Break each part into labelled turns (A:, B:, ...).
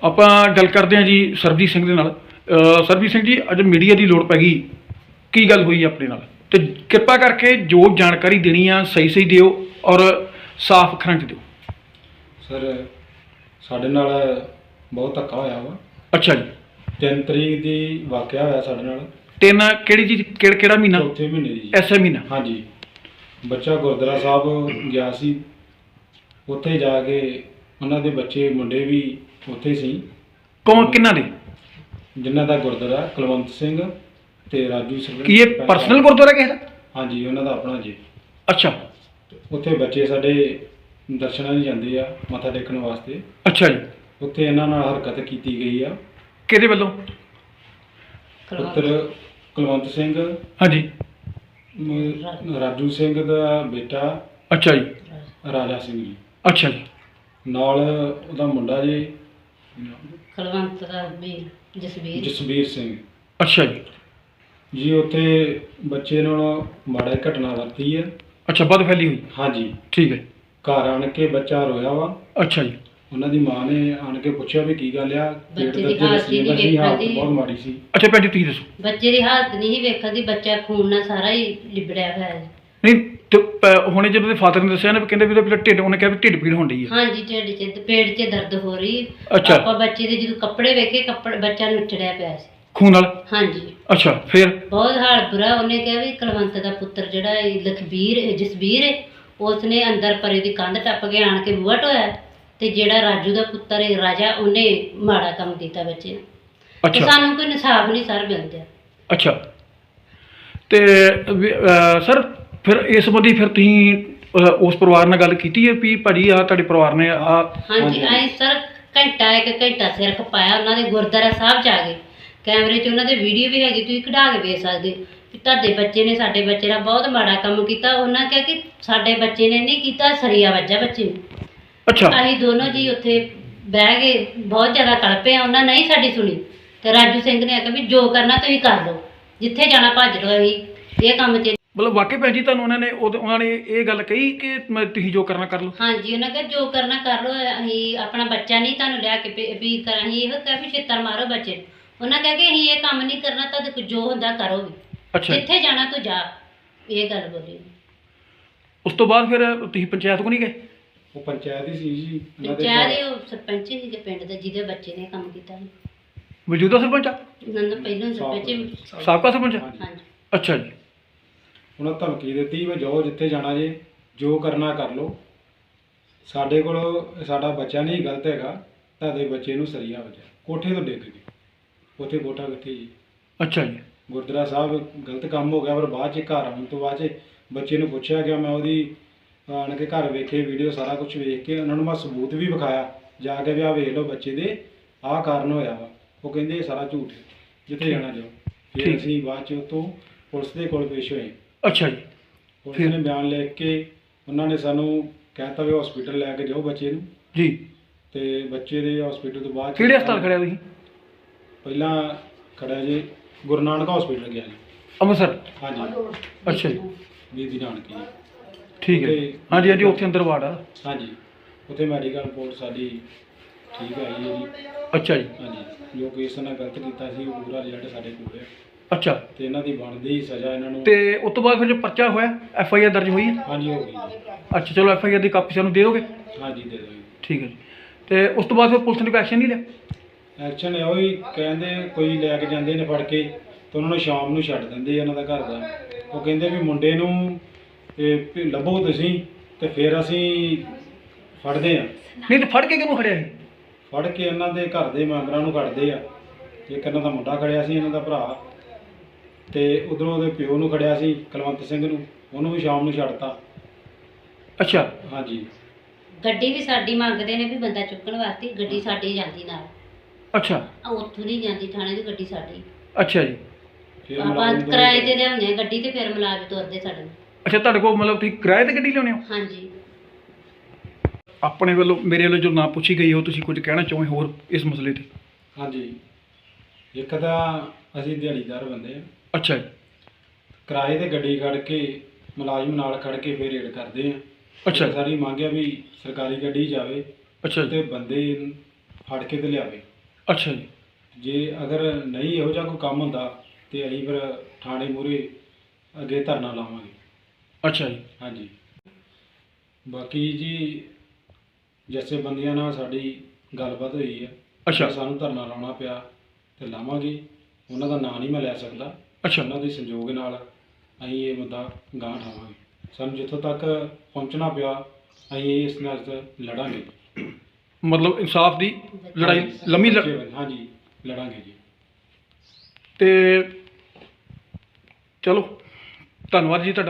A: ਆਪਾਂ ਗੱਲ ਕਰਦੇ ਹਾਂ ਜੀ ਸਰਬਜੀਤ ਸਿੰਘ ਦੇ ਨਾਲ। ਸਰਬਜੀਤ ਸਿੰਘ ਜੀ, ਅੱਜ ਮੀਡੀਆ ਦੀ ਲੋੜ ਪੈ ਗਈ, ਕੀ ਗੱਲ ਹੋਈ ਆਪਣੇ ਨਾਲ? ਤੇ ਕਿਰਪਾ ਕਰਕੇ ਜੋ ਜਾਣਕਾਰੀ ਦੇਣੀ ਆ ਸਹੀ ਸਹੀ ਦਿਓ ਔਰ ਸਾਫ਼ ਅੱਖਰਾਂ 'ਚ ਦਿਓ।
B: ਸਰ, ਸਾਡੇ ਨਾਲ ਬਹੁਤ ਧੱਕਾ ਹੋਇਆ ਵਾ।
A: ਅੱਛਾ ਜੀ।
B: 3 ਤਰੀਕ ਦੀ ਵਾਕਿਆ ਹੋਇਆ ਸਾਡੇ ਨਾਲ।
A: 3 ਕਿਹੜੀ ਚੀਜ਼, ਕਿਹੜਾ ਮਹੀਨਾ?
B: ਚੌਥੇ ਮਹੀਨੇ ਦੀ ਜੀ।
A: ਐਸਾ ਮਹੀਨਾ?
B: ਹਾਂਜੀ। ਬੱਚਾ ਗੁਰਦੁਆਰਾ ਸਾਹਿਬ ਗਿਆ ਸੀ, ਉੱਥੇ ਜਾ ਕੇ ਉਹਨਾਂ ਦੇ ਬੱਚੇ ਮੁੰਡੇ ਵੀ ਉੱਥੇ ਸੀ।
A: ਕੌਣ, ਕਿਹਨਾਂ ਦੇ?
B: ਜਿਨ੍ਹਾਂ ਦਾ ਗੁਰਦੁਆਰਾ ਕੁਲਵੰਤ ਸਿੰਘ ਤੇ ਰਾਜੂ ਸਿੰਘ।
A: ਕੀ ਇਹ ਪਰਸਨਲ ਗੁਰਦੁਆਰਾ ਕਿਸੇ ਦਾ?
B: ਹਾਂਜੀ, ਉਹਨਾਂ ਦਾ ਆਪਣਾ ਜੀ।
A: ਅੱਛਾ।
B: ਉੱਥੇ ਬੱਚੇ ਸਾਡੇ ਦਰਸ਼ਨਾਂ ਲਈ ਜਾਂਦੇ ਆ, ਮੱਥਾ ਟੇਕਣ ਵਾਸਤੇ।
A: ਅੱਛਾ ਜੀ।
B: ਉੱਥੇ ਇਹਨਾਂ ਨਾਲ ਹਰਕਤ ਕੀਤੀ ਗਈ ਆ।
A: ਕਿਹਦੇ ਵੱਲੋਂ?
B: ਪੁੱਤਰ ਕੁਲਵੰਤ ਸਿੰਘ,
A: ਹਾਂਜੀ।
B: ਰਾਜੂ ਸਿੰਘ ਦਾ ਬੇਟਾ
A: ਅੱਛਾ ਜੀ।
B: ਰਾਜਾ ਸਿੰਘ ਜੀ,
A: ਅੱਛਾ ਜੀ।
B: ਨਾਲ ਉਹਦਾ ਮੁੰਡਾ ਜੀ
C: ਕੁਲਵੰਤ ਦਾ ਵੀ
B: ਜਸਵੀਰ ਸਿੰਘ
A: ਅੱਛਾ ਜੀ।
B: ਜੀ। ਉੱਥੇ ਬੱਚੇ ਨਾਲ ਮਾੜਾ ਘਟਨਾ ਵਰਤੀ ਹੈ।
A: ਅੱਛਾ, ਵੱਧ ਫੈਲੀ ਹੋਈ।
B: ਹਾਂਜੀ।
A: ਠੀਕ ਹੈ।
B: ਘਰ ਆਣ ਕੇ ਬੱਚਾ ਰੋਇਆ ਵਾ।
A: ਅੱਛਾ ਜੀ।
B: ਉਹਨਾਂ ਦੀ ਮਾਂ ਨੇ ਆਣ ਕੇ ਪੁੱਛਿਆ ਵੀ ਕੀ ਗੱਲ ਆ।
C: ਬੱਚੇ ਦੀ ਹਾਲਤ ਹੀ ਨਹੀਂ
B: ਦੀ ਹਾਲਤ
C: ਵੇਖਣ ਦੀ।
B: ਬਹੁਤ ਮਾੜੀ ਸੀ।
A: ਅੱਛਾ ਭੈਣ ਜੀ, ਤੁਸੀਂ ਦੱਸੋ।
C: ਬੱਚੇ ਦੀ ਹਾਲਤ ਨਹੀਂ ਸੀ ਵੇਖਣ ਦੀ, ਬੱਚਾ ਖੂਨ ਨਾਲ ਸਾਰਾ ਹੀ ਲਿਬੜਿਆ ਹੋਇਆ ਹੈ।
A: ਨਹੀਂ ਤੇ ਹੁਣੇ ਜਦੋਂ ਉਹਦੇ ਫਾਦਰ ਨੇ ਦੱਸਿਆ ਨਾ, ਵੀ ਕਹਿੰਦੇ ਵੀ ਉਹਦਾ ਢਿੱਡ, ਉਹਨੇ ਕਿਹਾ ਵੀ ਢਿੱਡ ਪੀੜ ਹੋਣ ਡਈ ਹੈ।
C: ਹਾਂਜੀ, ਢਿੱਡ 'ਚ ਪੇਟ 'ਚ ਦਰਦ ਹੋ ਰਹੀ।
A: ਅੱਛਾ।
C: ਆਪਾਂ ਬੱਚੇ ਦੇ ਜਦੋਂ ਕੱਪੜੇ ਵੇਖੇ, ਬੱਚਾ ਨੁੱਚੜਿਆ ਪਿਆ ਸੀ
A: ਖੂਨ ਨਾਲ?
C: ਹਾਂਜੀ।
A: ਅੱਛਾ, ਫਿਰ?
C: ਬਹੁਤ ਹਾਲ ਬੁਰਾ। ਉਹਨੇ ਕਿਹਾ ਵੀ ਕੁਲਵੰਤ ਦਾ ਪੁੱਤਰ ਜਿਹੜਾ ਜਸਵੀਰ ਹੈ, ਉਸਨੇ ਅੰਦਰ ਪਰੇ ਦੀ ਕੰਧ ਟੱਪ ਕੇ ਆਣ ਕੇ ਬੂਹਾ ਢੋਇਆ, ਤੇ ਜਿਹੜਾ ਰਾਜੂ ਦਾ ਪੁੱਤਰ ਹੈ ਰਾਜਾ, ਉਹਨੇ ਮਾੜਾ ਕੰਮ ਕੀਤਾ ਬੱਚੇ ਨੂੰ। ਤੇ
A: ਅੱਛਾ।
C: ਸਾਨੂੰ ਕੋਈ ਇਨਸਾਫ ਨਹੀਂ ਸਰ ਮਿਲਦਾ।
A: ਅੱਛਾ। ਤੇ ਸਰ, ਫਿਰ ਇਸ ਸੰਬੰਧੀ ਫਿਰ ਤੁਸੀਂ ਉਸ ਪਰਿਵਾਰ ਨਾਲ ਗੱਲ ਕੀਤੀ ਹੈ ਵੀ ਭਾਜੀ ਆ ਤੁਹਾਡੇ ਪਰਿਵਾਰ ਨੇ ਆ?
C: ਹਾਂਜੀ, ਆਏ ਸਰ ਇੱਕ ਘੰਟਾ ਸਿਰ ਖਪਾਇਆ ਉਹਨਾਂ ਦੇ ਗੁਰਦੁਆਰਾ ਸਾਹਿਬ 'ਚ ਆ ਗਏ। ਕੈਮਰੇ 'ਚ ਉਹਨਾਂ ਦੇ ਵੀਡੀਓ ਵੀ ਹੈਗੀ, ਤੁਸੀਂ ਕਢਾ ਕੇ ਵੇਖ ਸਕਦੇ ਵੀ ਤੁਹਾਡੇ ਬੱਚੇ ਨੇ ਸਾਡੇ ਬੱਚੇ ਨਾਲ ਬਹੁਤ ਮਾੜਾ ਕੰਮ ਕੀਤਾ। ਉਹਨਾਂ ਕਿਹਾ ਕਿ ਸਾਡੇ ਬੱਚੇ ਨੇ ਨਹੀਂ ਕੀਤਾ, ਸਰੀਆ ਵੱਜਾ ਬੱਚੇ ਨੂੰ।
A: ਅੱਛਾ।
C: ਅਸੀਂ ਦੋਨੋਂ ਜੀ ਉੱਥੇ ਬਹਿ ਕੇ ਬਹੁਤ ਜ਼ਿਆਦਾ ਕਲਪੇ ਆ, ਉਹਨਾਂ ਨਹੀਂ ਸਾਡੀ ਸੁਣੀ। ਤੇ ਰਾਜੂ ਸਿੰਘ ਨੇ ਆਖਿਆ ਵੀ ਜੋ ਕਰਨਾ ਤੁਸੀਂ ਕਰ ਲਓ, ਜਿੱਥੇ ਜਾਣਾ ਭੱਜ ਲਓ, ਅਸੀਂ ਇਹ ਕੰਮ 'ਚ।
A: ਮਤਲਬ ਵਾਕਈ ਭੈਣ ਜੀ ਤੁਹਾਨੂੰ ਉਹਨਾਂ ਨੇ ਇਹ ਗੱਲ ਕਹੀ ਕਿ ਤੁਸੀਂ ਜੋ ਕਰਨਾ ਕਰ ਲਓ?
C: ਹਾਂਜੀ, ਉਹਨਾਂ ਕਿਹਾ ਜੋ ਕਰਨਾ ਕਰ ਲਓ, ਅਸੀਂ ਆਪਣਾ ਬੱਚਾ ਨਹੀਂ ਤੁਹਾਨੂੰ ਲਿਆ ਕੇ ਵੀ ਅਸੀਂ ਇਹੋ ਕਿਹਾ ਵੀ ਛਿੱਤਰ ਮਾਰੋ ਬੱਚੇ ਨੂੰ। ਉਹਨਾਂ ਕਿਹਾ ਕਿ ਅਸੀਂ ਇਹ ਕੰਮ ਨਹੀਂ ਕਰਨਾ, ਤੁਹਾਡੇ ਕੋਲ ਜੋ ਹੁੰਦਾ ਕਰੋ ਵੀ,
A: ਅੱਛਾ।
C: ਜਿੱਥੇ ਜਾਣਾ ਤੂੰ ਜਾ, ਇਹ ਗੱਲ ਬੋਲੀ।
A: ਉਸ ਤੋਂ ਬਾਅਦ ਫਿਰ ਤੁਸੀਂ ਪੰਚਾਇਤ ਕੋ ਨਹੀਂ ਗਏ?
B: ਉਹ ਪੰਚਾਇਤ ਹੀ ਸੀ ਜੀ।
C: ਪੰਚਾਇਤ ਉਹ ਸਰਪੰਚ ਸੀਗੇ ਪਿੰਡ ਦੇ, ਜਿਹਦੇ ਬੱਚੇ ਨੇ ਕੰਮ ਕੀਤਾ ਸੀ।
A: ਮੌਜੂਦਾ ਸਰਪੰਚ ਆ?
C: ਉਹਨਾਂ ਦਾ ਪਹਿਲਾਂ ਸਰਪੰਚ।
A: ਸਾਬਕਾ ਸਰਪੰਚ?
C: ਹਾਂਜੀ।
A: ਅੱਛਾ ਜੀ।
B: ਉਹਨਾਂ ਧਮਕੀ ਦਿੱਤੀ ਵੀ ਜਾਓ, ਜਿੱਥੇ ਜਾਣਾ ਜੇ, ਜੋ ਕਰਨਾ ਕਰ ਲਓ। ਸਾਡੇ ਕੋਲ ਸਾਡਾ ਬੱਚਾ ਨਹੀਂ ਗਲਤ ਹੈਗਾ, ਤੁਹਾਡੇ ਬੱਚੇ ਨੂੰ ਸਰੀਆ ਵੱਜਿਆ, ਕੋਠੇ ਤੋਂ ਡਿੱਗ ਗਏ। ਉੱਥੇ ਕੋਠਾ ਕਿੱਥੇ ਜੀ?
A: ਅੱਛਾ ਜੀ।
B: ਗੁਰਦੁਆਰਾ ਸਾਹਿਬ ਗਲਤ ਕੰਮ ਹੋ ਗਿਆ, ਪਰ ਬਾਅਦ 'ਚ ਘਰ ਆਉਣ ਤੋਂ ਬਾਅਦ 'ਚ ਬੱਚੇ ਨੂੰ ਪੁੱਛਿਆ ਗਿਆ। ਮੈਂ ਉਹਦੀ ਆਣ ਕੇ ਘਰ ਵੇਖੇ ਵੀਡੀਓ, ਸਾਰਾ ਕੁਝ ਵੇਖ ਕੇ ਉਹਨਾਂ ਨੂੰ ਮੈਂ ਸਬੂਤ ਵੀ ਵਿਖਾਇਆ ਜਾ ਕੇ ਵੀ ਆਹ ਵੇਖ ਲਓ ਬੱਚੇ ਦੇ ਆਹ ਕਾਰਨ ਹੋਇਆ ਵਾ। ਉਹ ਕਹਿੰਦੇ ਇਹ ਸਾਰਾ ਝੂਠ ਹੈ, ਜਿੱਥੇ ਜਾਣਾ ਜਾਓ। ਫਿਰ ਅਸੀਂ ਬਾਅਦ 'ਚ ਉੱਥੋਂ ਪੁਲਿਸ ਦੇ ਕੋਲ ਪੇਸ਼ ਹੋਏ।
A: ਅੱਛਾ ਜੀ।
B: ਪੁਲਿਸ ਨੇ ਬਿਆਨ ਲਿਖ ਕੇ ਉਹਨਾਂ ਨੇ ਸਾਨੂੰ ਕਹਿਤਾ ਵੀ ਹਸਪੀਟਲ ਲੈ ਕੇ ਜਾਓ ਬੱਚੇ ਨੂੰ
A: ਜੀ।
B: ਤੇ ਬੱਚੇ ਦੇ ਹਸਪੀਟਲ ਤੋਂ ਬਾਅਦ
A: ਕਿਹੜੇ ਹਸਪਤਾਲ ਖੜਿਆ ਤੁਸੀਂ?
B: ਪਹਿਲਾਂ ਖੜਿਆ ਜੀ ਗੁਰੂ ਨਾਨਕ ਹਸਪੀਟਲ ਗਿਆ ਜੀ,
A: ਅੰਮ੍ਰਿਤਸਰ?
B: ਹਾਂਜੀ।
A: ਅੱਛਾ ਜੀ।
B: ਬੀਬੀ ਨਾਨਕੀ।
A: ਠੀਕ ਹੈ। ਹਾਂਜੀ ਹਾਂਜੀ, ਉੱਥੇ ਅੰਦਰ ਵਾਰਡ ਆ?
B: ਹਾਂਜੀ। ਉੱਥੇ ਮੈਡੀਕਲ ਰਿਪੋਰਟ ਸਾਡੀ ਠੀਕ ਆਈ ਹੈ ਜੀ।
A: ਅੱਛਾ ਜੀ।
B: ਹਾਂਜੀ। ਜੋ ਕੇਸ ਨਾਲ ਗਲਤ ਕੀਤਾ ਸੀ ਉਹ ਪੂਰਾ ਰਿਜ਼ਲਟ ਸਾਡੇ ਕੋਲ ਹੈ।
A: ਅੱਛਾ।
B: ਤੇ ਇਹਨਾਂ ਦੀ ਬਣਦੀ ਸਜ਼ਾ ਇਹਨਾਂ ਨੂੰ।
A: ਤੇ ਉਸ ਤੋਂ ਬਾਅਦ ਫਿਰ ਜੋ ਪਰਚਾ ਹੋਇਆ, FIR ਦਰਜ ਹੋਈ ਹੈ?
B: ਹਾਂਜੀ, ਹੋ ਗਈ ਜੀ।
A: ਅੱਛਾ, ਚਲੋ FIR ਦੀ ਕਾਪੀ ਸਾਨੂੰ ਦੇ ਦੋਗੇ?
B: ਹਾਂਜੀ, ਦੇ ਦਿਓ ਜੀ।
A: ਠੀਕ ਹੈ ਜੀ। ਤੇ ਉਸ ਤੋਂ ਬਾਅਦ ਫਿਰ ਪੁਲਿਸ ਨੇ ਕੋਈ ਐਕਸ਼ਨ ਨਹੀਂ ਲਿਆ?
B: ਐਕਸ਼ਨ ਇਹੋ ਹੀ ਕਹਿੰਦੇ, ਕੋਈ ਲੈ ਕੇ ਜਾਂਦੇ ਨੇ ਫੜ ਕੇ ਤੇ ਉਹਨਾਂ ਨੂੰ ਸ਼ਾਮ ਨੂੰ ਛੱਡ ਦਿੰਦੇ ਇਹਨਾਂ ਦਾ ਘਰ ਦਾ। ਉਹ ਕਹਿੰਦੇ ਵੀ ਮੁੰਡੇ ਨੂੰ ਲੱਭੋ ਤੁਸੀਂ, ਤੇ ਫਿਰ ਅਸੀਂ ਫੜਦੇ ਹਾਂ।
A: ਨਹੀਂ ਤੇ ਫੜ ਕੇ ਕਿਹਨੂੰ ਖੜਿਆ ਸੀ?
B: ਫੜ ਕੇ ਇਹਨਾਂ ਦੇ ਘਰ ਦੇ ਮੈਂਬਰਾਂ ਨੂੰ ਖੜਦੇ ਆ। ਇੱਕ ਇਹਨਾਂ ਦਾ ਮੁੰਡਾ ਖੜਿਆ ਸੀ, ਇਹਨਾਂ ਦਾ ਭਰਾ, ਤੇ ਉਧਰੋਂ ਉਹਦੇ ਪਿਓ ਨੂੰ ਖੜਿਆ ਸੀ ਕੁਲਵੰਤ ਸਿੰਘ ਨੂੰ, ਉਹਨੂੰ ਵੀ ਸ਼ਾਮ ਨੂੰ ਛੱਡਤਾ।
A: ਅੱਛਾ।
B: ਹਾਂਜੀ।
C: ਗੱਡੀ ਵੀ ਸਾਡੀ ਮੰਗਦੇ ਨੇ ਵੀ ਬੰਦਾ ਚੁੱਕਣ ਵਾਸਤੇ, ਗੱਡੀ ਸਾਡੀ ਜਾਂਦੀ ਨਾਲ।
A: ਅੱਛਾ।
C: ਉੱਥੋਂ ਨਹੀਂ ਜਾਂਦੀ ਥਾਣੇ ਦੀ ਗੱਡੀ ਸਾਡੀ।
A: ਅੱਛਾ ਜੀ।
B: ਫਿਰ
C: ਆਪਾਂ
B: ਮੁਲਾਜ਼ਮ
C: ਕਿਰਾਏ ਤੇ ਲਿਆਉਂਦੇ ਆ ਗੱਡੀ, ਤੇ ਫਿਰ ਮੁਲਾਜ਼ਮ ਤੁਰਦੇ ਸਾਡੇ ਨਾਲ।
A: ਅੱਛਾ, ਤੁਹਾਡੇ ਕੋਲ ਮਤਲਬ ਤੁਸੀਂ ਕਿਰਾਏ ਤੇ ਗੱਡੀ ਲਿਆਉਂਦੇ ਹੋ?
C: ਹਾਂਜੀ।
A: ਆਪਣੇ ਵੱਲੋਂ, ਮੇਰੇ ਵੱਲੋਂ ਜੋ ਨਾ ਪੁੱਛੀ ਗਈ, ਉਹ ਤੁਸੀਂ ਕੁਝ ਕਹਿਣਾ ਚਾਹੋ ਹੋਰ ਇਸ ਮਸਲੇ ਤੇ?
B: ਹਾਂਜੀ। ਇੱਕ ਤਾਂ ਅਸੀਂ ਦਿਹਾੜੀਦਾਰ ਬੰਦੇ ਆ।
A: ਅੱਛਾ ਜੀ।
B: ਕਿਰਾਏ ਤੇ ਗੱਡੀ ਖੜ ਕੇ ਮੁਲਾਜ਼ਮ ਨਾਲ ਖੜ ਕੇ ਫਿਰ ਰੇਡ ਕਰਦੇ ਆ।
A: ਅੱਛਾ।
B: ਸਾਡੀ ਮੰਗ ਹੈ ਵੀ ਸਰਕਾਰੀ ਗੱਡੀ ਜਾਵੇ
A: ਅੱਛਾ ਜੀ।
B: ਤੇ ਬੰਦੇ ਫੜ ਕੇ ਤੇ ਲਿਆਵੇ।
A: ਅੱਛਾ ਜੀ।
B: ਜੇ ਅਗਰ ਨਹੀਂ ਇਹੋ ਜਿਹਾ ਕੋਈ ਕੰਮ ਹੁੰਦਾ ਤੇ ਅਸੀਂ ਫਿਰ ਥਾਣੇ ਮੂਹਰੇ ਅੱਗੇ ਧਰਨਾ ਲਾਵਾਂਗੇ।
A: ਅੱਛਾ ਜੀ।
B: ਹਾਂਜੀ। ਬਾਕੀ ਜੀ ਜਥੇਬੰਦੀਆਂ ਨਾਲ ਸਾਡੀ ਗੱਲਬਾਤ ਹੋਈ ਹੈ।
A: ਅੱਛਾ।
B: ਜੇ ਸਾਨੂੰ ਧਰਨਾ ਲਾਉਣਾ ਪਿਆ ਤੇ ਲਾਵਾਂਗੇ। ਉਹਨਾਂ ਦਾ ਨਾਂ ਨਹੀਂ ਮੈਂ ਲੈ ਸਕਦਾ।
A: ਅੱਛਾ।
B: ਉਹਨਾਂ ਦੇ ਸੰਯੋਗ ਨਾਲ ਅਸੀਂ ਇਹ ਮੁੱਦਾ ਗਾਂਹ ਉਠਾਵਾਂਗੇ। ਸਾਨੂੰ ਜਿੱਥੋਂ ਤੱਕ ਪਹੁੰਚਣਾ ਪਿਆ ਅਸੀਂ ਇਸ ਨਾਲ ਲੜਾਂਗੇ।
A: ਮਤਲਬ ਇਨਸਾਫ ਦੀ ਲੜਾਈ ਲੰਮੀ
B: ਹਾਂਜੀ ਲੜਾਂਗੇ ਜੀ।
A: ਤੇ ਚਲੋ ਧੰਨਵਾਦ ਜੀ ਤੁਹਾਡਾ।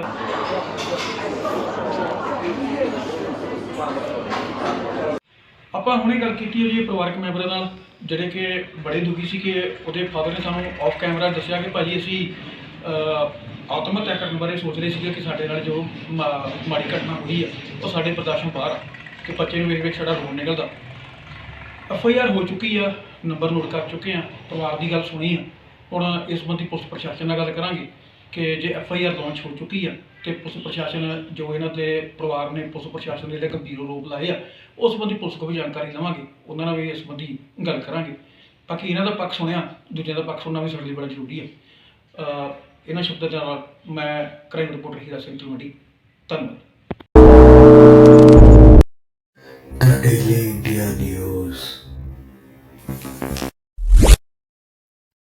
A: ਆਪਾਂ ਹੁਣੇ ਗੱਲ ਕੀਤੀ ਹੈ ਜੀ ਪਰਿਵਾਰਕ ਮੈਂਬਰਾਂ ਨਾਲ, ਜਿਹੜੇ ਕਿ ਬੜੇ ਦੁਖੀ ਸੀ ਕਿ ਉਹਦੇ ਫਾਦਰ ਨੇ ਸਾਨੂੰ ਆਫ ਕੈਮਰਾ ਦੱਸਿਆ ਕਿ ਭਾਜੀ ਅਸੀਂ ਆਤਮ ਹੱਤਿਆ ਕਰਨ ਬਾਰੇ ਸੋਚ ਰਹੇ ਸੀਗੇ ਕਿ ਸਾਡੇ ਨਾਲ ਜੋ ਮਾੜੀ ਘਟਨਾ ਹੋਈ ਆ ਉਹ ਸਾਡੇ ਬਰਦਾਸ਼ਤੋਂ ਬਾਹਰ ਆ, ਕਿ ਬੱਚੇ ਨੂੰ ਵੇਖ ਵੇਖ ਸਾਡਾ ਰੋਣ ਨਿਕਲਦਾ। FIR ਹੋ ਚੁੱਕੀ ਆ, ਨੰਬਰ ਨੋਟ ਕਰ ਚੁੱਕੇ ਆ, ਪਰਿਵਾਰ ਦੀ ਗੱਲ ਸੁਣੀ ਆ। ਹੁਣ ਇਸ ਸੰਬੰਧੀ ਪੁਲਿਸ ਪ੍ਰਸ਼ਾਸਨ ਨਾਲ ਗੱਲ ਕਰਾਂਗੇ ਕਿ ਜੇ FIR ਲਾਂਚ ਹੋ ਚੁੱਕੀ ਆ ਤੇ ਪੁਲਿਸ ਪ੍ਰਸ਼ਾਸਨ ਜੋ ਇਹਨਾਂ ਦੇ ਪਰਿਵਾਰ ਨੇ ਪੁਲਿਸ ਪ੍ਰਸ਼ਾਸਨ ਦੇ ਜਿਹੜੇ ਗੰਭੀਰ ਆਰੋਪ ਲਾਏ ਆ ਉਸ ਸੰਬੰਧੀ ਪੁਲਿਸ ਕੋਲ ਵੀ ਜਾਣਕਾਰੀ ਲਵਾਂਗੇ, ਉਹਨਾਂ ਨਾਲ ਵੀ ਇਸ ਸੰਬੰਧੀ ਗੱਲ ਕਰਾਂਗੇ। ਬਾਕੀ ਇਹਨਾਂ ਦਾ ਪੱਖ ਸੁਣਿਆ, ਦੂਜਿਆਂ ਦਾ ਪੱਖ ਸੁਣਨਾ ਵੀ ਸਾਡੇ ਲਈ ਬੜਾ ਜ਼ਰੂਰੀ ਹੈ। ਇਹਨਾਂ ਸ਼ਬਦਾਂ ਦੇ ਨਾਲ ਮੈਂ ਕ੍ਰਾਈਮ ਰਿਪੋਰਟਰ ਹੀਰਾ ਸਿੰਘ ਤਲਵੰਡੀ, ਧੰਨਵਾਦ।
D: The Daily India News.